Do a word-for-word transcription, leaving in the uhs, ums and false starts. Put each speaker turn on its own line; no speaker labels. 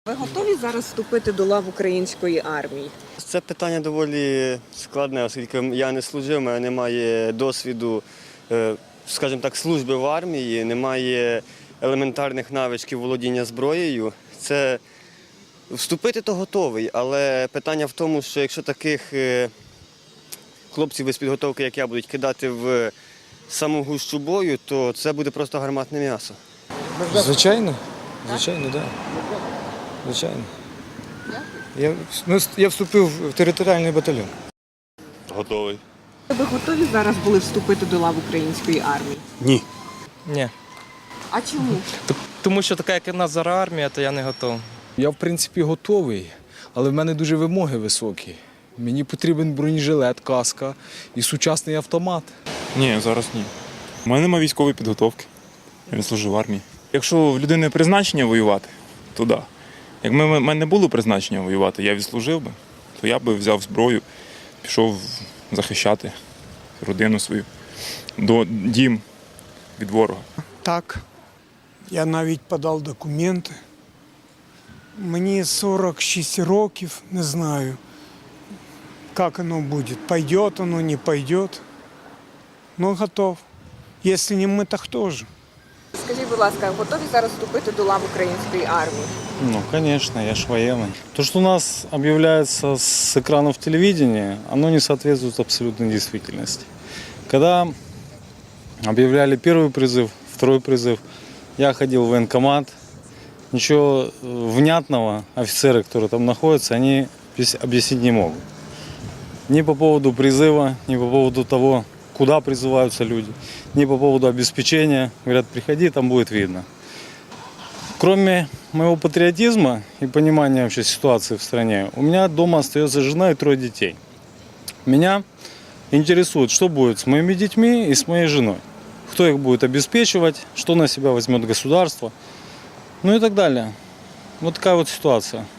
Ви готові зараз вступити до лав української армії?
Це питання доволі складне, оскільки я не служив, у мене немає досвіду, скажімо так, служби в армії, немає елементарних навичків володіння зброєю. Це вступити то готовий, але питання в тому, що якщо таких хлопців без підготовки, як я, будуть кидати в саму гущу бою, то це буде просто гарматне м'ясо.
Звичайно, звичайно, так. Да. Звичайно. Я, ну, я вступив в територіальний батальйон.
Готовий.
Ви готові зараз були вступити до лав української армії?
Ні.
Ні.
А чому?
Тому що така, як у нас зараз армія, то я не готовий.
Я, в принципі, готовий, але в мене дуже вимоги високі. Мені потрібен бронежилет, каска і сучасний автомат.
Ні, зараз ні. У мене немає військової підготовки. Я не служив в армії. Якщо в людини призначення воювати, то так. Да. Як в мене не було призначення воювати, я відслужив би, то я би взяв зброю, пішов захищати родину свою, до дім від ворога.
Так, я навіть подав документи. Мені сорок шість років, не знаю, як воно буде. Пойде воно, не пойде. Ну, готов. Якщо не ми, то хто ж?
Скажіть, будь ласка, готові зараз вступити до лав української армії?
Ну, конечно, я ж военный. То, что у нас объявляется с экранов телевидения, оно не соответствует абсолютной действительности. Когда объявляли первый призыв, второй призыв, я ходил в военкомат, ничего внятного офицеры, которые там находятся, они объяснить не могут. Ни по поводу призыва, ни по поводу того, куда призываются люди, ни по поводу обеспечения. Говорят, приходи, там будет видно. Кроме моего патриотизма и понимания вообще ситуации в стране, у меня дома остается жена и трое детей. Меня интересует, что будет с моими детьми и с моей женой. Кто их будет обеспечивать, что на себя возьмет государство, ну и так далее. Вот такая вот ситуация.